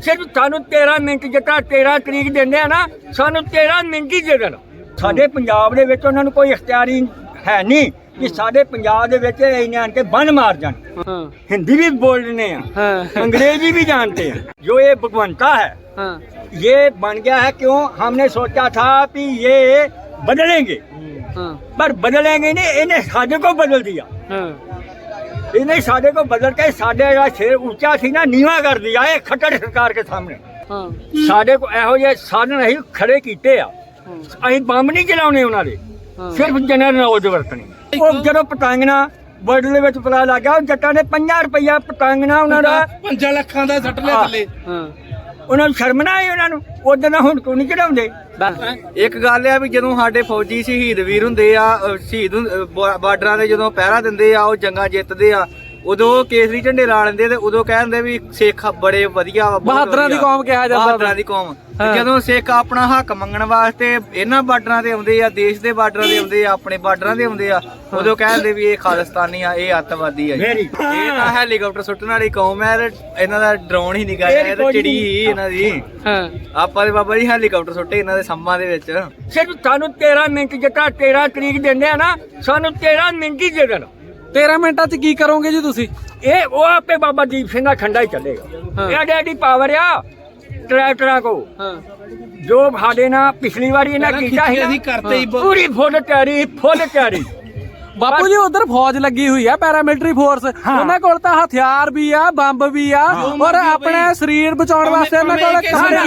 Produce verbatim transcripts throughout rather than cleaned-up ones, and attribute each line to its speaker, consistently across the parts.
Speaker 1: ਸਿਰਫ ਸਾਨੂੰ ਤੇਰਾਂ ਮਿੰਟ ਜਿੱਦਾਂ ਤੇਰਾਂ ਤਰੀਕ ਦਿੰਦੇ ਆ ਨਾ, ਸਾਨੂੰ ਤੇਰਾਂ ਮਿੰਟ ਹੀ ਦੇ ਦੇਣ। ਸਾਡੇ ਪੰਜਾਬ ਦੇ ਵਿੱਚ ਉਹਨਾਂ ਨੂੰ ਕੋਈ ਇਖਤਿਆਰੀ ਹੈ ਨਹੀਂ कि साडे पंजाब दे विच इन्हें आन के बन मार जान। हाँ। हिंदी भी बोलने हैं। हाँ। अंग्रेजी भी जानते हैं। जो ये भगवंता है, हाँ। ये बन गया है क्यों? हमने सोचा था कि ये बदलेंगे, हाँ। पर बदलेंगे नहीं, इन्हें साडे को बदल दिया। हाँ। इन्हें साडे को बदल के साडे का शेर ऊंचा थी ना नीवा कर दिया है खट्टर सरकार के सामने। हाँ। साडे को एहो जे साधन असीं खड़े कीते आ, असीं बंब नहीं चलाउणे उन्हां दे, सिर्फ जनरल नौज वरतनी। ਜਦੋਂ ਪਤੰਗਣਾ ਵਰਡ ਦੇ ਵਿੱਚ ਪਤਾ ਲੱਗ ਗਿਆ ਜੱਟਾਂ ਨੇ ਪੰਜਾਹ ਰੁਪਈਆ ਪਤੰਗਣਾ ਉਹਨਾਂ ਦਾ
Speaker 2: ਪੰਜਾਂ ਲੱਖਾਂ ਦਾ ਸੱਟ ਲਿਆ ਥੱਲੇ।
Speaker 1: ਉਹਨਾਂ ਨੂੰ ਸ਼ਰਮ ਨਾ ਆਈ ਉਹਨਾਂ ਨੂੰ ਉਦੋਂ ਨਾ ਹੁਣ ਕਿਉਂ ਨਹੀਂ ਚੜਾਉਂਦੇ।
Speaker 3: ਇੱਕ ਗੱਲ ਆ ਵੀ ਜਦੋਂ ਸਾਡੇ ਫੌਜੀ ਸ਼ਹੀਦ ਵੀਰ ਹੁੰਦੇ ਆ, ਸ਼ਹੀਦ ਬਾਰਡਰਾਂ ਦੇ ਜਦੋਂ ਪਹਿਰਾ ਦਿੰਦੇ ਆ, ਉਹ ਜੰਗਾਂ ਜਿੱਤਦੇ ਆ, ਉਦੋਂ ਕੇਸਰੀ ਝੰਡੇ ਲਾ ਲੈਂਦੇ ਤੇ ਉਦੋਂ ਕਹਿੰਦੇ ਵੀ ਸਿੱਖ ਬੜੇ ਵਧੀਆ ਵਾ,
Speaker 2: ਬਹਾਦਰਾਂ ਦੀ ਕੌਮ ਕਿਹਾ ਜਾਂਦਾ,
Speaker 3: ਬਹਾਦਰਾਂ ਦੀ ਕੌਮ। ਜਦੋਂ ਸਿੱਖ ਆਪਣਾ ਹੱਕ ਮੰਗਣ ਵਾਸਤੇ ਇਹਨਾਂ ਬਾਰਡਰਾਂ ਤੇ ਆਉਂਦੇ ਆ, ਦੇਸ਼ ਦੇ ਬਾਰਡਰਾਂ ਤੇ ਆਉਂਦੇ ਆ, ਆਪਣੇ ਬਾਰਡਰਾਂ ਤੇ ਆਉਂਦੇ ਆ, ਉਦੋਂ ਕਹਿੰਦੇ ਵੀ ਇਹ ਖਾਲਿਸਤਾਨੀ ਆ, ਇਹ ਅੱਤਵਾਦੀ ਆ। ਇਹ ਤਾਂ ਹੈਲੀਕਾਪਟਰ ਸੁੱਟਣ ਵਾਲੀ ਕੌਮ ਹੈ, ਇਹਨਾਂ ਦਾ ਡਰੋਨ ਹੀ ਨਿਕਾ ਇਹ ਤੇ ਚਿੜੀ ਹੀ ਇਹਨਾਂ ਦੀ। ਆਪਾਂ ਦੇ ਬਾਬਾ ਜੀ ਹੈਲੀਕਾਪਟਰ ਸੁੱਟੇ ਇਹਨਾਂ ਦੇ ਸੰਮਾਂ ਦੇ ਵਿੱਚ।
Speaker 1: ਸਿਰਫ ਸਾਨੂੰ ਤੇਰਾਂ ਮਿੰਟ ਜਿੱਦਾਂ ਤੇਰਾਂ ਤਰੀਕ ਦਿੰਦੇ ਆ ਨਾ, ਸਾਨੂੰ ਤੇਰਾਂ ਮਿੰਟ ਹੀ ਦੇ ਦੇਣ।
Speaker 2: ਤੇਰਾਂ ਮਿੰਟਾਂ ਚ ਕੀ ਕਰੋਗੇ ਜੀ ਤੁਸੀਂ?
Speaker 1: ਇਹ ਉਹ ਆਪੇ ਬਾਬਾ ਦੀਪ ਸਿੰਘ ਦਾ ਖੰਡਾ ਹੀ ਚੱਲੇਗਾ। ਇਹ ਐਡੀ ਪਾਵਰ ਆ ਟਰੈਕਟਰਾਂ ਕੋ, ਜੋ ਸਾਡੇ ਨਾਲ ਪਿਛਲੀ ਵਾਰੀ ਇਹਨਾਂ ਕੀਤਾ ਸੀ ਪੂਰੀ ਫੁੱਲ ਤਿਆਰੀ, ਫੁੱਲ ਤਿਆਰੀ।
Speaker 2: ਬਾਪੂ ਜੀ ਉਧਰ ਫੌਜ ਲੱਗੀ ਹੋਈ ਆ, ਪੈਰਾਮਿਲਟਰੀ ਫੋਰਸ, ਉਹਨਾਂ ਕੋਲ ਤਾਂ ਹਥਿਆਰ ਵੀ ਆ, ਬੰਬ ਵੀ ਆ, ਔਰ ਆਪਣੇ ਸਰੀਰ ਬਚਾਉਣ ਵਾਸਤੇ ਉਹਨਾਂ ਕੋਲ
Speaker 1: ਸੰਤਾਲੀ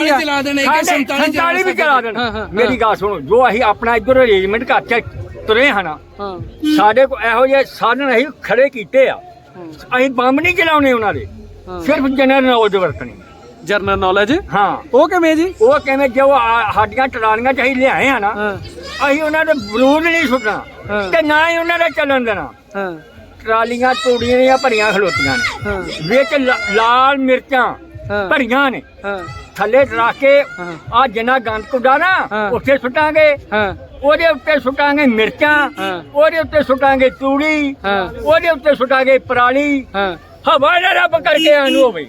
Speaker 1: ਵੀ ਚਲਾ ਦੇਣ। ਮੇਰੀ ਗੱਲ ਸੁਣੋ, ਜੋ ਅਸੀਂ ਆਪਣਾ ਇੱਧਰ ਅਰੇਂਜਮੈਂਟ ਕਰਕੇ ਤੁਰੇ ਹਨਾ, ਸਾਡੇ ਕੋ ਇਹੋ ਜਿਹੇ ਸਾਧਨ ਅਸੀਂ ਖੜੇ ਕੀਤੇ ਆ, ਅਸੀਂ ਬੰਬ ਨਹੀਂ ਚਲਾਉਣੇ ਉਹਨਾਂ ਦੇ, ਸਿਰਫ ਜਨਰਲ ਨੌਜ ਵਰਤਣੀ।
Speaker 2: General knowledge?
Speaker 1: ਹਾਂ।
Speaker 2: ਉਹ ਕਿਵੇਂ ਜੀ?
Speaker 1: ਉਹ ਕਿਵੇਂ, ਜੋ ਸਾਡੀਆਂ ਟਰਾਲੀਆਂ ਚ ਅਸੀਂ ਲਿਆਏ ਆ ਨਾ, ਅਸੀਂ ਉਹਨਾਂ ਦੇ ਬਰੂਦ ਨਹੀਂ ਸੁੱਟਣਾ ਤੇ ਨਾ ਹੀ ਉਹਨਾਂ ਦਾ ਚੱਲਣ ਦੇਣਾ। ਟਰਾਲੀਆਂ ਤੂੜੀਆਂ ਦੀਆਂ ਭਰੀਆਂ ਖਲੋਤੀਆਂ ਨੇ, ਵਿੱਚ ਲਾਲ ਮਿਰਚਾਂ ਭਰੀਆਂ ਨੇ, ਥੱਲੇ ਰੱਖ ਕੇ ਆ ਜਿੰਨਾ ਗੰਦ ਕੁੱਡਾ ਨਾ ਉੱਥੇ ਸੁੱਟਾਂਗੇ, ਉਹਦੇ ਉੱਤੇ ਸੁੱਟਾਂਗੇ ਮਿਰਚਾਂ, ਉਹਦੇ ਉੱਤੇ ਸੁੱਟਾਂਗੇ ਤੂੜੀ, ਉਹਦੇ ਉੱਤੇ ਸੁੱਟਾਂਗੇ ਪਰਾਲੀ। ਹਵਾ ਨਾ ਰੱਬ ਕਰਕੇ ਆਨੂੰ ਹੋਵੇ,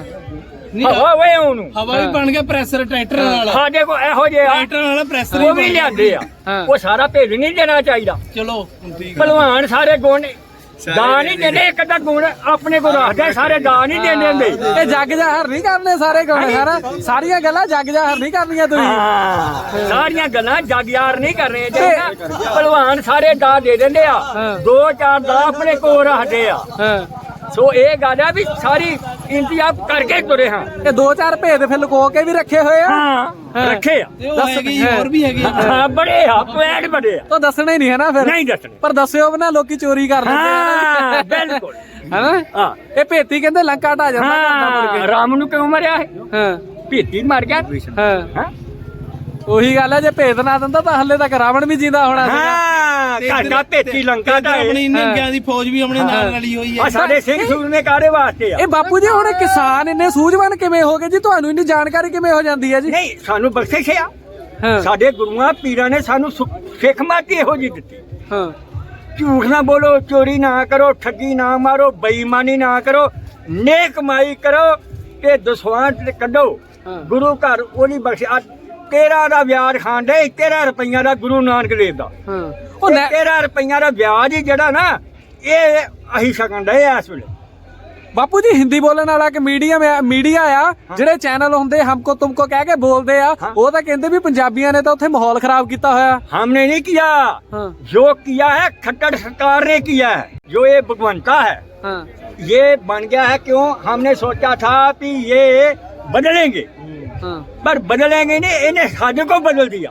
Speaker 1: ਹਵਾ ਵੇ ਉਹਨੂੰ
Speaker 2: ਹਵਾ ਵੀ ਬਣ ਗਿਆ ਪ੍ਰੈਸ਼ਰ ਟਰੈਕਟਰ ਨਾਲ।
Speaker 1: ਸਾਡੇ ਕੋਲ ਇਹੋ ਜਿਹੇ
Speaker 2: ਟਰੈਕਟਰ ਨਾਲ ਪ੍ਰੈਸ਼ਰ
Speaker 1: ਉਹ ਵੀ ਲਿਆਂਦੇ ਆ, ਉਹ ਸਾਰਾ ਭੇਜ ਨਹੀਂ ਦੇਣਾ ਚਾਹੀਦਾ।
Speaker 2: ਚਲੋ
Speaker 1: ਭਲਵਾਨ ਸਾਰੇ ਗੁਣ ਦਾ ਨਹੀਂ ਦਿੰਦੇ, ਇੱਕ ਅੱਧਾ ਗੁਣ ਆਪਣੇ ਕੋਲ ਰੱਖਦੇ, ਸਾਰੇ ਦਾ ਨਹੀਂ ਦਿੰਦੇ ਹੁੰਦੇ।
Speaker 2: ਇਹ ਜੱਗ ਜਾਹਰ ਨਹੀਂ ਕਰਨੇ ਸਾਰੇ ਗੁਣ, ਸਾਰਾ ਸਾਰੀਆਂ ਗੱਲਾਂ ਜੱਗ ਜਾਹਰ ਨਹੀਂ ਕਰਨੀਆਂ ਤੁਸੀਂ।
Speaker 1: ਸਾਰੀਆਂ ਗੱਲਾਂ ਜੱਗ ਯਾਰ ਨਹੀਂ ਕਰਨੇ। ਭਲਵਾਨ ਸਾਰੇ ਦਾ ਦੇ ਦਿੰਦੇ ਆ, ਦੋ ਚਾਰ ਦਾ ਆਪਣੇ ਕੋਲ ਰੱਖਦੇ ਆ। ਸੋ ਇਹ ਗੱਲ ਆ ਵੀ ਸਾਰੀ ਇੰਤਜ਼ਾਮ ਕਰਕੇ ਤੁਰੇ ਹਾਂ।
Speaker 2: ਇਹ ਦੋ ਚਾਰ ਭੇਦ ਫਿਰ ਲੁਕੋ ਕੇ ਵੀ ਰੱਖੇ ਹੋਏ ਆ।
Speaker 1: ਹਾਂ ਰੱਖੇ ਆ,
Speaker 2: ਹੋਰ ਵੀ ਹੈਗੇ
Speaker 1: ਹਾਂ, ਬੜੇ ਆ, ਪਲੈਨ ਬੜੇ ਆ।
Speaker 2: ਤਾਂ ਦੱਸਣਾ ਹੀ ਨਹੀਂ ਹੈ ਨਾ ਫਿਰ?
Speaker 1: ਨਹੀਂ ਦੱਸਣੇ, ਪਰ
Speaker 2: ਦੱਸਿਓ ਵੀ ਨਾ, ਲੋਕੀ ਚੋਰੀ ਕਰ ਲੈਂਦੇ ਆ।
Speaker 1: ਬਿਲਕੁਲ
Speaker 2: ਹੈਨਾ। ਹਾਂ, ਇਹ ਭੇਤੀ ਕਹਿੰਦੇ ਲੰਕਾ ਢਾ ਜਾਂਦਾ।
Speaker 1: ਰਾਮ ਨੂੰ ਕਿਉਂ ਮਰਿਆ ਹੈ? ਹਾਂ, ਭੇਤੀ ਮਰ ਗਿਆ। ਹਾਂ,
Speaker 2: ਉਹੀ ਗੱਲ ਹੈ, ਜੇ ਭੇਦ ਨਾ ਦਿੰਦਾ ਤਾਂ ਹੱਲੇ ਤੱਕ ਰਾਵਣ ਵੀ ਜਿੰਦਾ ਹੋਣਾ ਸੀ।
Speaker 1: ਘਾਟਾ ਭੇਤੀ ਲੰਕਾ ਦਾ
Speaker 2: ਆਪਣੀ ਨੰਗਿਆਂ ਦੀ ਫੌਜ ਵੀ ਆਪਣੇ ਨਾਲ ਰਲੀ ਹੋਈ ਹੈ।
Speaker 1: ਸਾਡੇ ਸਿੰਘ ਸੂਰ ਨੇ ਕਾਹਦੇ ਵਾਸਤੇ ਆ?
Speaker 2: ਇਹ ਬਾਪੂ ਜੀ ਹੁਣ ਕਿਸਾਨ ਇੰਨੇ ਸੂਝਵਾਨ ਕਿਵੇਂ ਹੋ ਗਏ ਜੀ? ਤੁਹਾਨੂੰ ਇੰਨੀ ਜਾਣਕਾਰੀ ਕਿਵੇਂ ਹੋ ਜਾਂਦੀ ਹੈ ਜੀ?
Speaker 1: ਨਹੀਂ, ਸਾਨੂੰ ਬਖਸ਼ਿਸ਼ ਆ, ਸਾਡੇ ਗੁਰੂਆਂ ਪੀਰਾਂ ਨੇ ਸਾਨੂੰ ਸਿੱਖ ਮਾਤੀ ਇਹੋ ਜਿਹੀ ਦਿੱਤੀ। ਹਾਂ, ਝੂਠ ਨਾ ਬੋਲੋ, ਚੋਰੀ ਨਾ ਕਰੋ, ਠੱਗੀ ਨਾ ਮਾਰੋ, ਬੇਈਮਾਨੀ ਨਾ ਕਰੋ, ਨੇਕ ਕਮਾਈ ਕਰੋ ਤੇ ਦਸਵੰਧ ਕੱਢੋ। ਗੁਰੂ ਘਰ ਉਹਦੀ ਬਖਸ਼ ਤੇਰਾਂ ਦਾ ਵਿਆਜ ਖਾਣ ਦੇ, ਤੇਰਾਂ ਰੁਪਈਆ ਦਾ ਗੁਰੂ ਨਾਨਕ ਦੇਵ ਦਾ। ਉਹ ਤੇਰਾਂ ਰੁਪਈਆ ਦਾ ਵਿਆਜ ਹੀ ਜਿਹੜਾ ਨਾ, ਇਹ ਅਸੀਂ ਸਕਣ ਡਏ ਆ ਇਸ ਵੇਲੇ।
Speaker 2: ਬਾਪੂ ਜੀ ਹਿੰਦੀ ਬੋਲਣ ਵਾਲਾ ਕਿ ਮੀਡੀਆ ਮੀਡੀਆ ਆ, ਜਿਹੜੇ ਚੈਨਲ ਹੁੰਦੇ ਹਮਕੋ ਤੁਮਕੋ ਕਹਿ ਕੇ ਬੋਲਦੇ ਆ, ਉਹ ਤਾਂ ਕਹਿੰਦੇ ਵੀ ਪੰਜਾਬੀਆਂ ਨੇ ਤਾਂ ਉੱਥੇ ਮਾਹੌਲ ਖਰਾਬ ਕੀਤਾ ਹੋਇਆ।
Speaker 1: हमने नहीं किया, जो किया है खट्टर सरकार ने किया है। जो ये भगवंता है, ये बन गया है क्यों? हमने सोचा था कि ये बदलेंगे, पर बदलेंगे नहीं, इन्हें साडे को बदल दिया।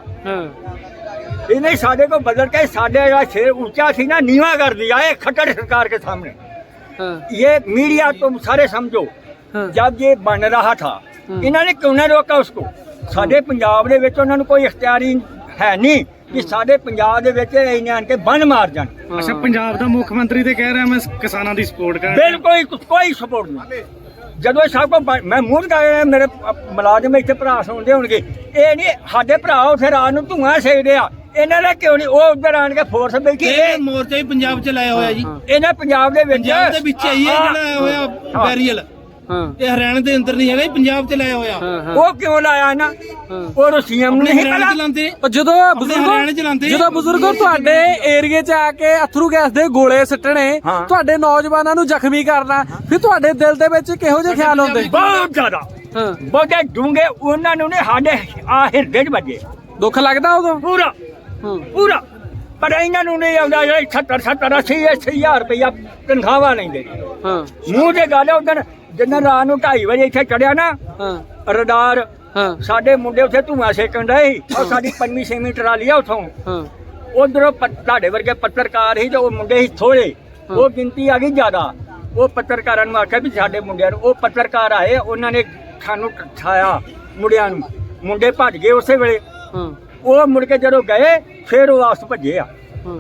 Speaker 1: इन्हें साडे को बदल के साडे का शेर ऊंचा थी ना नीवा कर दिया है खट्टर सरकार के सामने। ये मीडिया तुम सारे समझो, जब ये बन रहा था इन्होंने क्यों नहीं रोका उसको? साडे पंजाब दे विच उन्हां नूं कोई इख्तियारी है नहीं कि साडे पंजाब दे विच इन्हां आण के बन मार जाण।
Speaker 4: अच्छा, पंजाब दा मुख मंत्री ते कह रहा मैं किसानां दी सपोर्ट कर।
Speaker 1: बिल्कुल कोई सपोर्ट नहीं। ਜਦੋਂ ਸਭ ਕੋ ਮੈਂ ਮੂੰਹ ਲਗਾਇਆ, ਮੇਰੇ ਮੁਲਾਜ਼ਮ ਇੱਥੇ ਭਰਾ ਸੁਣਦੇ ਹੋਣਗੇ, ਇਹ ਨਹੀਂ ਸਾਡੇ ਭਰਾ ਉੱਥੇ ਰਾਤ ਨੂੰ ਧੂਆਂ ਸੇਕਦੇ ਆ, ਇਹਨਾਂ ਦਾ ਕਿਉਂ ਨਹੀਂ? ਉਹ ਉੱਧਰ ਆਣ ਕੇ ਫੋਰਸ ਬੈਠੀ।
Speaker 2: ਇਹ ਮੋਰਚਾ ਹੀ ਪੰਜਾਬ ਚ ਲਾਇਆ ਹੋਇਆ ਜੀ,
Speaker 1: ਇਹਨਾਂ ਪੰਜਾਬ ਦੇ ਵਿੱਚ
Speaker 2: ਪੰਜਾਬ ਦੇ ਵਿੱਚ ਆਈ ਹੈ ਜਿਹੜਾ ਹੋਇਆ ਬੈਰੀਅਲ। ਹਾਂ
Speaker 4: ਇਹ ਹਰਿਆਣਾ ਦੇ ਅੰਦਰ ਨਹੀਂ ਹੈਗਾ, ਇਹ ਪੰਜਾਬ ਚ ਲਾਇਆ ਹੋਇਆ।
Speaker 2: ਹਾਂ ਹਾਂ
Speaker 1: ਉਹ ਕਿਉਂ ਲਾਇਆ ਨਾ ਉਹ ਸੀਐਮ ਨੇ ਨਹੀਂ
Speaker 4: ਹਰਿਆਣਾ
Speaker 1: ਪਤਾ
Speaker 4: ਚਲਾਉਂਦੇ
Speaker 2: ਉਹ ਜਦੋਂ
Speaker 4: ਹਰਿਆਣੇ ਚ ਲਾਉਂਦੇ।
Speaker 2: ਬਜ਼ੁਰਗੋ ਜਦੋਂ ਬਜ਼ੁਰਗੋ ਤੁਹਾਡੇ ਏਰੀਏ 'ਚ ਆ ਕੇ ਅਥਰੂ ਗੈਸ ਦੇ ਗੋਲੇ ਸਿੱਟਣੇ,
Speaker 1: ਹਾਂ।
Speaker 2: ਤੁਹਾਡੇ ਨੌਜਵਾਨਾਂ ਨੂੰ ਜ਼ਖਮੀ ਕਰਨਾ, ਫਿਰ ਤੁਹਾਡੇ ਦਿਲ ਦੇ ਵਿੱਚ ਕਿਹੋ ਜਿਹੇ ਖਿਆਲ ਹੁੰਦੇ?
Speaker 1: ਬਹੁਤ ਜ਼ਿਆਦਾ
Speaker 2: ਹਾਂ
Speaker 1: ਬਹੁਤੇ ਡੂੰਘੇ ਉਹਨਾਂ ਨੂੰ ਨੇ ਸਾਡੇ ਆ ਹਿਰਦੇ 'ਚ ਵੱਜੇ
Speaker 2: ਦੁੱਖ ਲੱਗਦਾ ਉਦੋਂ?
Speaker 1: ਪੂਰਾ
Speaker 2: ਹਾਂ
Speaker 1: ਪੂਰਾ। ਪਰ ਇਹਨਾਂ ਨੂੰ ਨਹੀਂ ਆਉਂਦਾ ਜਿਹੜੇ ਸੱਤਰ ਸੱਤਰ ਅੱਸੀ ਅੱਸੀ ਹਜ਼ਾਰ ਰੁਪਇਆ ਤਨਖਾਹਾਂ ਲੈਂਦੇ
Speaker 2: ਹਾਂ
Speaker 1: ਮੂੰਹ ਤੇ ਗੱਲ ਉਦੋਂ ਜਿੰਨਾ ਰਾਤ ਨੂੰ ਢਾਈ ਵਜੇ ਇੱਥੇ ਚੜਿਆ ਨਾ
Speaker 2: ਹਾਂ
Speaker 1: ਰਡਾਰ
Speaker 2: ਹਾਂ
Speaker 1: ਸਾਡੇ ਮੁੰਡੇ ਉੱਥੇ ਧੂਆਂ ਸੇਕਣ ਡਏ ਸੀ ਉਹ ਸਾਡੀ ਪੰਜਵੀਂ ਛੇਵੀਂ ਟਰਾਲੀ ਆ ਉਥੋਂ
Speaker 2: ਹਾਂ
Speaker 1: ਉਧਰੋਂ ਤੁਹਾਡੇ ਵਰਗੇ ਪੱਤਰਕਾਰ ਸੀ ਤੇ ਉਹ ਮੁੰਡੇ ਸੀ ਥੋੜੇ ਉਹ ਗਿਣਤੀ ਆ ਗਈ ਜ਼ਿਆਦਾ। ਉਹ ਪੱਤਰਕਾਰਾਂ ਨੂੰ ਆਖਿਆ ਵੀ ਸਾਡੇ ਮੁੰਡਿਆਂ ਨੂੰ, ਉਹ ਪੱਤਰਕਾਰ ਆਏ ਉਹਨਾਂ ਨੇ ਸਾਨੂੰ ਠਾਇਆ ਮੁੰਡਿਆਂ ਨੂੰ, ਮੁੰਡੇ ਭੱਜ ਗਏ ਉਸੇ ਵੇਲੇ।
Speaker 2: ਹਾਂ
Speaker 1: ਉਹ ਮੁੜ ਕੇ ਜਦੋਂ ਗਏ ਫਿਰ ਉਹ ਵਾਪਸ ਭੱਜੇ ਆ।
Speaker 2: ਹਾਂ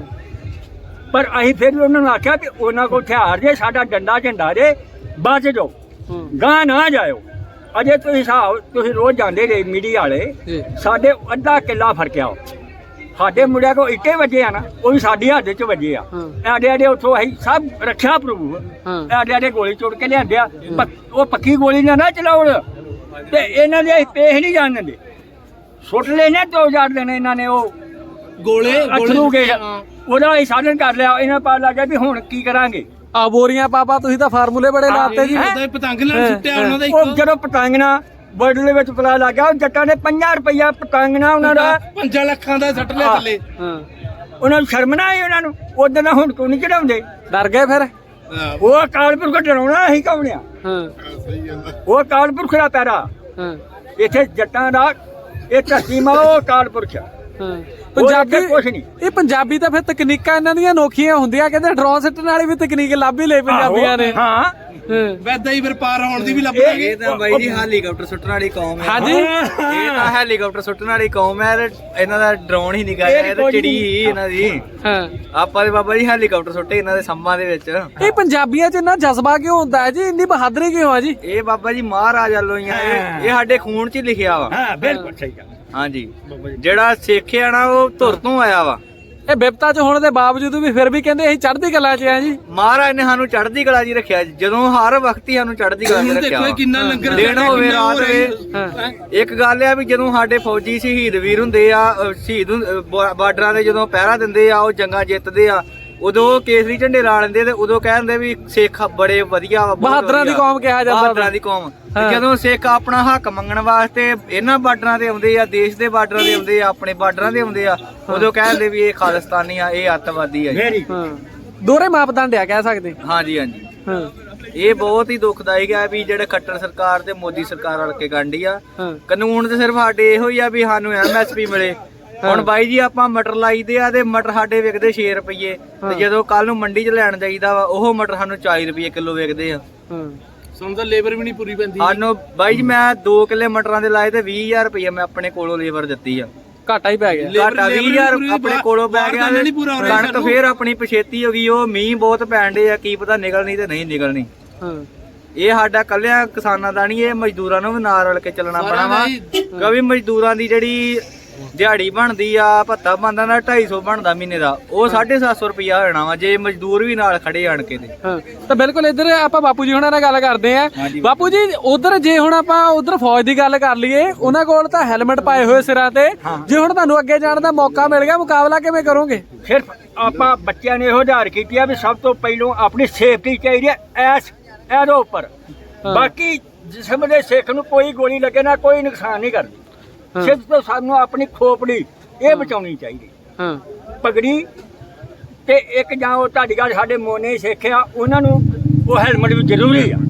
Speaker 1: ਪਰ ਅਸੀਂ ਫਿਰ ਵੀ ਉਹਨਾਂ ਨੂੰ ਆਖਿਆ ਕਿ ਉਹਨਾਂ ਕੋਲ ਹਥਿਆਰ ਜੇ, ਸਾਡਾ ਡੰਡਾ ਝੰਡਾ ਜੇ, ਬਚ ਜਾਓ
Speaker 2: ਹਾਂ
Speaker 1: ਗਾਂ ਨਾ ਜਾਇਓ। ਅਜੇ ਤੁਸੀਂ ਹਿਸਾਬ ਤੁਸੀਂ ਰੋਜ਼ ਜਾਂਦੇ ਰਹੇ ਮੀਡੀਆ ਵਾਲੇ,
Speaker 2: ਜੀ
Speaker 1: ਸਾਡੇ ਅੱਧਾ ਕਿੱਲਾ ਫਰਕਿਆ। ਸਾਡੇ ਮੁੰਡਿਆਂ ਕੋ ਇੱਟੇ ਵੱਜੇ ਆ ਨਾ, ਉਹ ਵੀ ਸਾਡੀ ਹੱਦ 'ਚ ਵੱਜੇ ਆ।
Speaker 2: ਹਾਂ
Speaker 1: ਐਡੇ ਐਡੇ ਉੱਥੋਂ ਅਸੀਂ ਸਭ ਰੱਖਿਆ ਪ੍ਰੂਫ,
Speaker 2: ਹਾਂ
Speaker 1: ਐਡੇ ਐਡੇ ਗੋਲੀ ਚੁੱਕ ਕੇ ਲਿਆਂਦੇ ਆ। ਪੱਕ- ਉਹ ਪੱਕੀ ਗੋਲੀ ਨਾ ਨਾ ਚਲਾਉਣ ਤੇ ਇਹਨਾਂ ਦੇ ਅਸੀਂ ਪੇਸ਼ ਨਹੀਂ ਜਾਣ ਦਿੰਦੇ। ਸੁੱਟ ਲੈਣੇ ਦੋ ਹਜ਼ਾਰ ਦਿਨ ਇਹਨਾਂ ਨੇ ਉਹ
Speaker 4: ਗੋਲੇ
Speaker 1: ਅਥਰੂ ਗਏ, ਉਹਦਾ ਅਸੀਂ ਸਾਧਨ ਕਰ ਲਿਆ। ਇਹਨਾਂ ਪਾ ਲੱਗਾ ਵੀ ਹੁਣ ਕੀ ਕਰਾਂਗੇ।
Speaker 2: ਆ ਬੋਰੀਆਂ ਪਾਪਾ ਤੁਸੀਂ ਤਾਂ ਫਾਰਮੂਲੇ ਬੜੇ ਲਾਤੇ ਜੀ।
Speaker 4: ਉਹਦਾ ਪਤੰਗ ਲੈਣ ਸੁੱਟਿਆ ਉਹਨਾਂ ਦਾ
Speaker 1: ਉਹ ਜਦੋਂ ਪਤੰਗ ਨਾ ਬਰਡ ਦੇ ਵਿੱਚ ਪਤਾ ਲੱਗ ਗਿਆ, ਉਹ ਜੱਟਾਂ ਨੇ ਪੰਜਾਹ ਰੁਪਈਆ ਪਤੰਗ ਨਾ ਉਹਨਾਂ ਦਾ
Speaker 4: ਪੰਜਾਂ ਲੱਖਾਂ ਦਾ ਸੱਟ ਲਿਆ ਥੱਲੇ।
Speaker 2: ਹਾਂ
Speaker 1: ਉਹਨਾਂ ਨੂੰ ਸ਼ਰਮ ਨਾ ਆਈ ਉਹਨਾਂ ਨੂੰ। ਉਦੋਂ ਨਾ ਹੁਣ ਕਿਉਂ ਨਹੀਂ ਚੜਾਉਂਦੇ?
Speaker 2: ਡਰ ਗਏ ਫਿਰ?
Speaker 1: ਉਹ ਅਕਾਲਪੁਰ ਕੋ ਡਰਾਉਣਾ ਅਸੀਂ ਕੌਣਿਆ?
Speaker 2: ਹਾਂ
Speaker 1: ਉਹ ਅਕਾਲਪੁਰ ਦਾ ਪੈਰਾ
Speaker 2: ਹਾਂ
Speaker 1: ਇੱਥੇ ਜੱਟਾਂ ਦਾ ਇਹ ਧਰਤੀ ਮਾ ਉਹ ਅਕਾਲਪੁਰ ਚ
Speaker 2: ਹਾਂ ਪੰਜਾਬੀ
Speaker 1: ਕੁਛ ਨਹੀਂ।
Speaker 2: ਇਹ ਪੰਜਾਬੀ ਤਾਂ ਫਿਰ ਤਕਨੀਕਾਂ ਇਹਨਾਂ ਦੀਆਂ ਅਨੋਖੀਆਂ ਹੁੰਦੀਆਂ, ਕਹਿੰਦੇ ਡਰੋਨ ਸਿੱਟਣ ਵਾਲੀ ਵੀ ਤਕਨੀਕ ਲੱਭ ਹੀ ਲਈ ਪੰਜਾਬੀਆਂ ਨੇ।
Speaker 1: ਹਾਂ
Speaker 2: ਹਾਂ
Speaker 4: ਵੈਦਾ ਹੀ ਫਿਰ ਪਾਰ ਹੋਣ ਦੀ ਵੀ ਲੱਭ
Speaker 1: ਇਹ-
Speaker 4: ਲਾਂਗੇ।
Speaker 3: ਇਹ ਤਾਂ ਬਾਈ ਜੀ ਹੈਲੀਕਾਪਟਰ ਸੁੱਟਣ ਵਾਲੀ ਕੌਮ ਹੈ।
Speaker 2: ਹਾਂਜੀ
Speaker 3: ਇਹ ਤਾਂ ਹੈਲੀਕਾਪਟਰ ਸੁੱਟਣ ਵਾਲੀ ਕੌਮ ਹੈ ਤੇ ਇਹਨਾਂ ਦਾ ਡਰੋਨ ਹੀ ਨਿਕਾ ਇਹ ਤਾਂ ਚਿੜੀ ਹੀ ਇਹਨਾਂ ਦੀ।
Speaker 2: ਹਾਂ
Speaker 3: ਆਪਾਂ ਦੇ ਬਾਬਾ ਜੀ ਹੈਲੀਕਾਪਟਰ ਸੁੱਟੇ ਇਹਨਾਂ ਦੇ ਸੰਮਾਂ ਦੇ ਵਿੱਚ।
Speaker 2: ਇਹ ਪੰਜਾਬੀਆਂ 'ਚ ਇੰਨਾ ਜਜ਼ਬਾ ਕਿਉਂ ਹੁੰਦਾ ਹੈ ਜੀ, ਇੰਨੀ ਬਹਾਦਰੀ ਕਿਉਂ ਆ ਜੀ?
Speaker 3: ਇਹ ਬਾਬਾ ਜੀ ਮਹਾਰਾਜਾ ਲੋਈਆਂ ਇਹ ਇਹ ਸਾਡੇ ਖੂਨ 'ਚ ਹੀ ਲਿਖਿਆ ਵਾ।
Speaker 1: ਹਾਂ ਬਿਲਕੁਲ ਸਹੀ ਗੱਲ।
Speaker 3: ਹਾਂਜੀ ਜਿਹੜਾ ਸਿੱਖ ਆ ਨਾ ਉਹ ਧੁਰ ਤੋਂ ਆਇਆ ਵਾ।
Speaker 2: ਇਹ ਬਿਪਤਾ 'ਚ ਹੋਣ ਦੇ ਬਾਵਜੂਦ ਵੀ ਫਿਰ ਵੀ ਕਹਿੰਦੇ ਅਸੀਂ ਚੜ੍ਹਦੀ ਕਲਾ 'ਚ ਆ ਜੀ।
Speaker 3: ਮਹਾਰਾਜ ਨੇ ਸਾਨੂੰ ਚੜ੍ਹਦੀ ਕਲਾ 'ਚ ਹੀ ਰੱਖਿਆ, ਜਦੋਂ ਹਰ ਵਕਤ ਹੀ ਸਾਨੂੰ ਚੜ੍ਹਦੀ ਕਲਾ 'ਚ
Speaker 4: ਹੁਣ
Speaker 3: ਰੱਖਿਆ
Speaker 4: ਦੇਖੋ
Speaker 3: ਵਾ।
Speaker 4: ਕਿੰਨਾ ਲੰਗਰ
Speaker 3: ਦਿਨ
Speaker 4: ਚੱਲਦਾ,
Speaker 3: ਹੋਵੇ
Speaker 4: ਕਿੰਨਾ
Speaker 3: ਰਾਤ
Speaker 4: ਹੋ ਰਿਹਾ।
Speaker 3: ਹੋਵੇ।
Speaker 2: ਹਾਂ
Speaker 3: ਇੱਕ ਗੱਲ ਆ ਵੀ ਜਦੋਂ ਸਾਡੇ ਫੌਜੀ ਸ਼ਹੀਦ ਵੀਰ ਹੁੰਦੇ ਆ, ਅਹ ਸ਼ਹੀਦ ਹੁੰ- ਅਹ ਬਾ- ਬਾਰਡਰਾਂ ਤੇ ਜਦੋਂ ਪਹਿਰਾ ਦਿੰਦੇ ਆ, ਉਹ ਜੰਗਾਂ ਜਿੱਤਦੇ ਆ, ਉਦੋਂ ਕੇਸਰੀ ਝੰਡੇ ਲਾ ਲੈਂਦੇ ਤੇ ਉਦੋਂ ਕਹਿੰਦੇ ਵੀ ਸਿੱਖ ਬੜੇ ਵਧੀਆ ਵਾ, ਬਹੁਤ
Speaker 2: ਬਹਾਦਰਾਂ ਦੀ
Speaker 3: ਵਧੀਆ।
Speaker 2: ਕੌਮ ਕਿਹਾ ਜਾਂਦਾ
Speaker 3: ਬਹਾਦਰਾਂ ਦੀ ਕੌਮ। ਤੇ
Speaker 2: ਹਾਂ।
Speaker 3: ਜਦੋਂ ਸਿੱਖ ਆਪਣਾ ਹੱਕ ਮੰਗਣ ਵਾਸਤੇ ਇਹਨਾਂ ਬਾਰਡਰਾਂ ਤੇ ਆਉਂਦੇ ਆ, ਦੇਸ਼ ਦੇ ਬਾਰਡਰਾਂ ਤੇ ਆਉਂਦੇ ਆ, ਆਪਣੇ ਬਾਰਡਰਾਂ ਤੇ ਆਉਂਦੇ ਆ, ਉਦੋਂ ਕਹਿੰਦੇ ਵੀ ਇਹ ਖਾਲਿਸਤਾਨੀ ਆ, ਇਹ ਅੱਤਵਾਦੀ ਆ ਜੀ।
Speaker 1: ਮੇਰੀ
Speaker 2: ਹਾਂ ਦੋਹਰੇ ਮਾਪਦੰਡ ਆ ਕਹਿ ਸਕਦੇ।
Speaker 3: ਹਾਂਜੀ ਹਾਂਜੀ
Speaker 2: ਹਾਂ
Speaker 3: ਇਹ ਬਹੁਤ ਹੀ ਦੁਖਦਾਇਕ ਹੈ ਵੀ ਜਿਹੜੇ ਖੱਟਰ ਸਰਕਾਰ ਤੇ ਮੋਦੀ ਸਰਕਾਰ ਰਲ ਕੇ ਗਾਂਢੀ ਆ।
Speaker 2: ਹਾਂ
Speaker 3: ਕਾਨੂੰਨ ਤੇ ਸਿਰਫ ਸਾਡੇ ਇਹੋ ਹੀ ਆ ਵੀ ਸਾਨੂੰ ਐਮ ਐਸ ਪੀ ਮਿਲੇ। ਹੁਣ ਬਾਈ ਜੀ ਆਪਾਂ ਮਟਰ ਲਾਈਦੇ ਆ ਤੇ ਮਟਰ ਸਾਡੇ ਵਿਕਦੇ ਛੇ ਰੁਪਏ ਤੇ ਜਦੋਂ ਕੱਲ ਨੂੰ ਮੰਡੀ 'ਚ ਲੈਣ ਜਾਈਦਾ ਵਾ ਉਹ ਮਟਰ ਸਾਨੂੰ ਚਾਲੀ ਰੁਪਏ ਕਿਲੋ ਵਿਕਦੇ ਆ।
Speaker 2: ਹਾਂ
Speaker 4: ਸਾਨੂੰ ਤਾਂ ਲੇਬਰ ਵੀ ਨਹੀਂ ਪੂਰੀ ਪੈਂਦੀ।
Speaker 3: ਸਾਨੂੰ ਬਾਈ ਜੀ ਮੈਂ ਦੋ ਕਿੱਲੇ ਮਟਰਾਂ ਦੇ ਲਾਏ ਤੇ ਵੀਹ ਹਜ਼ਾਰ ਰੁਪਏ ਮੈਂ ਆਪਣੇ ਕੋਲੋਂ ਲੇਬਰ ਦਿੱਤੀ ਆ।
Speaker 2: ਘਾਟਾ ਹੀ ਪੈ ਗਿਆ।
Speaker 3: ਘਾਟਾ ਵੀਹ ਹਜ਼ਾਰ ਆਪਣੇ ਕੋਲੋਂ ਪੈ ਗਿਆ
Speaker 4: ਬਾਹਰ ਦਾ ਨਹੀਂ ਪੂਰਾ ਹੋ ਰਿਹਾ
Speaker 3: ਕਣਕ ਫੇਰ ਆਪਣੀ ਪਛੇਤੀ ਹੋ ਗਈ। ਉਹ ਮੀਂਹ ਬਹੁਤ ਪੈਣ ਡੇ ਆ, ਕੀ ਪਤਾ ਨਿਕਲਣੀ ਤੇ ਨਹੀਂ ਨਿਕਲਣੀ।
Speaker 2: ਹਾਂ
Speaker 3: ਇਹ ਸਾਡਾ ਕੱਲਿਆਂ ਕਿਸਾਨਾਂ ਦਾ ਨਹੀਂ, ਇਹ ਮਜ਼ਦੂਰਾਂ ਨੂੰ ਵੀ ਨਾਲ ਰਲ ਕੇ ਚੱਲਣਾ ਪੈਣਾ ਵਾ। ਕਿਉਂਕਿ ਮਜ਼ਦੂਰਾਂ ਦੀ ਜਿਹੜੀ ਦਿਹਾੜੀ ਬਣਦੀ ਆ, ਭੱਤਾ ਬਣਦਾ ਨਾ ਢਾਈ ਸੌ ਬਣਦਾ ਮਹੀਨੇ ਦਾ, ਉਹ ਸਾਢੇ ਸੱਤ ਸੌ ਰੁਪਇਆ ਹੋ ਜਾਣਾ ਵਾ ਜੇ ਮਜ਼ਦੂਰ ਵੀ ਨਾਲ ਖੜੇ ਆਣ ਕੇ ਤੇ।
Speaker 2: ਹਾਂ ਤਾਂ ਬਿਲਕੁਲ ਇੱਧਰ ਆਪਾਂ ਬਾਪੂ ਜੀ ਹੁਣਾਂ ਨਾਲ ਗੱਲ ਕਰਦੇ ਆ। ਬਾਪੂ ਜੀ ਉਧਰ ਜੇ ਹੁਣ ਆਪਾਂ ਉਧਰ ਫੌਜ ਦੀ ਗੱਲ ਕਰ ਲਈਏ, ਉਹਨਾਂ ਕੋਲ ਤਾਂ ਹੈਲਮਟ ਪਾਏ ਹੋਏ ਸਿਰਾਂ ਤੇ, ਜੇ ਹੁਣ ਤੁਹਾਨੂੰ ਅੱਗੇ ਜਾਣ ਦਾ ਮੌਕਾ ਮਿਲ ਗਿਆ, ਮੁਕਾਬਲਾ ਕਿਵੇਂ ਕਰੋਗੇ?
Speaker 1: ਸਿਰਫ ਆਪਾਂ ਬੱਚਿਆਂ ਨੇ ਇਹੋ ਉਧਾਰ ਕੀਤੀ ਆ ਵੀ ਸਭ ਤੋਂ ਪਹਿਲੋਂ ਆਪਣੀ ਸੇਫਟੀ ਚਾਹੀਦੀ ਹੈ ਐਸ ਇਹਦੇ ਉੱਪਰ। ਬਾਕੀ ਜਿਸਮ ਦੇ ਸਿੱਖ ਨੂੰ ਕੋਈ ਗੋਲੀ ਲੱਗੇ ਨਾ ਕੋਈ ਨੁਕਸਾਨ ਨਹੀਂ ਕਰਦੀ। ਸਿਰਫ ਤੋਂ ਸਾਨੂੰ ਆਪਣੀ ਖੋਪੜੀ ਇਹ ਬਚਾਉਣੀ ਚਾਹੀਦੀ।
Speaker 2: ਹਾਂ
Speaker 1: ਪਗੜੀ ਤੇ ਇੱਕ ਜਾਂ ਉਹ ਤੁਹਾਡੀ ਗੱਲ ਸਾਡੇ ਮੋਨੇ ਸਿੱਖਿਆ ਉਹਨਾਂ ਨੂੰ ਉਹ ਹੈਲਮਟ ਵੀ ਜ਼ਰੂਰੀ ਆ,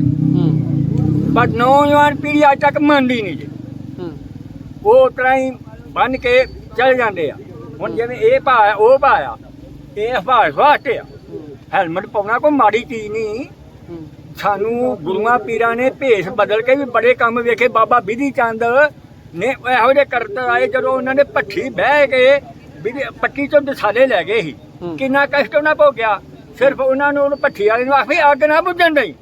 Speaker 1: ਪਰ ਨੌਜਵਾਨ ਪੀੜ੍ਹੀ ਅੱਜ ਤੱਕ ਮੰਨਦੀ ਨਹੀਂ ਜੀ। ਉਹ ਉਸ ਤਰ੍ਹਾਂ ਹੀ ਬੰਨ ਕੇ ਚਲ ਜਾਂਦੇ ਆ। ਹੁਣ ਜਿਵੇਂ ਇਹ ਭਾਇਆ ਉਹ ਭਾਇਆ ਇਹ ਹਫਾਜ਼ ਵਾਸਤੇ ਆ, ਹੈਲਮਟ ਪਾਉਣਾ ਕੋਈ ਮਾੜੀ ਚੀਜ਼ ਨਹੀਂ। ਸਾਨੂੰ ਗੁਰੂਆਂ ਪੀਰਾਂ ਨੇ ਭੇਸ ਬਦਲ ਕੇ ਵੀ ਬੜੇ ਕੰਮ ਵੇਖੇ। ਬਾਬਾ ਬਿਧੀ ਚੰਦ ਨੇ ਇਹੋ ਜਿਹੇ ਕਰਤੱਵ ਆਏ ਜਦੋਂ ਉਹਨਾਂ ਨੇ ਭੱਠੀ ਬਹਿ ਕੇ ਬਿਧੀ ਪੱਟੀ ਚੋਂ ਦਸਾਲੇ ਲੈ ਗਏ ਸੀ। ਕਿੰਨਾ ਕਸ਼ਟ ਉਹਨਾਂ ਭੋਗਿਆ। ਸਿਰਫ ਉਹਨਾਂ ਨੂੰ ਉਹਨੂੰ ਭੱਠੀ ਵਾਲੇ ਨੂੰ ਆਖੀ ਅੱਗ ਨਾ ਬੁੱਝਣ ਡਈ।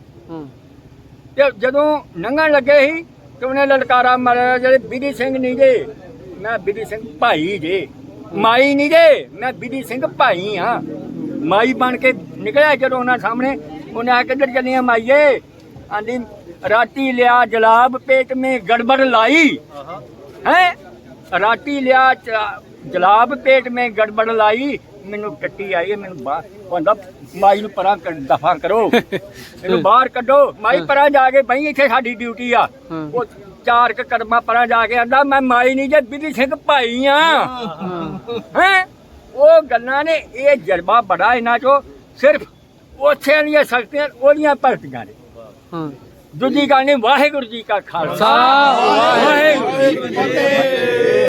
Speaker 1: ਤੇ ਜਦੋਂ ਲੰਘਣ ਲੱਗੇ ਸੀ ਤੇ ਉਹਨੇ ਲਲਕਾਰਾ ਮਾਰਿਆ, ਜਿਹੜੇ ਬਿਧੀ ਸਿੰਘ ਨਹੀਂ ਜੇ, ਮੈਂ ਬਿਧੀ ਸਿੰਘ ਭਾਈ ਜੇ, ਮਾਈ ਨਹੀਂ ਜੇ, ਮੈਂ ਬਿਧੀ ਸਿੰਘ ਭਾਈ ਹਾਂ। ਮਾਈ ਬਣ ਕੇ ਨਿਕਲਿਆ ਜਦੋਂ ਉਹਨਾਂ ਸਾਹਮਣੇ। ਉਹਨੇ ਆ ਕਿੱਧਰ ਚੱਲੀਆਂ ਮਾਈਏ? ਆਂਦੀ राती लिया जलाब पेट में गड़बड़ लाई है राती लिया च- जलाब पेट में गड़बड़ लाई मैनू टट्टी आई है मैनू बाहर कहंदा माई नू परां कर दफा करो ਇਹਨੂੰ ਬਾਹਰ ਕੱਢੋ ਮਾਈ ਪਰਾਂ ਜਾ ਕੇ ਬਈ ਇੱਥੇ ਸਾਡੀ ਡਿਊਟੀ ਆ ਉਹ ਚਾਰ ਕ ਕਰਮਾ ਪਰਾਂ ਜਾ ਕੇ ਆਂਦਾ ਮੈਂ ਮਾਈ ਨਹੀਂ ਜੇ ਬਿਧੀ ਸਿੰਘ ਭਾਈ ਆ ਹੈ ਉਹ ਗੱਲਾਂ ਨੇ ਇਹ ਜਜ਼ਬਾ ਬੜਾ ਇਹਨਾਂ ਚੋਂ ਸਿਰਫ ਉੱਥੇ ਦੀਆਂ ਸ਼ਕਤੀਆਂ ਉਹਦੀਆਂ ਭਗਤੀਆਂ ਨੇ
Speaker 2: ਹਾਂ
Speaker 1: ਦੂਜੀ ਗੱਲ ਨਹੀਂ ਵਾਹਿਗੁਰੂ ਜੀ ਕਾ ਖਾਲਸਾ
Speaker 2: ਵਾਹਿਗੁਰੂ
Speaker 1: ਵਾਹਿਗੁਰੂ ਜੀ ਕੀ ਫਤਿਹ।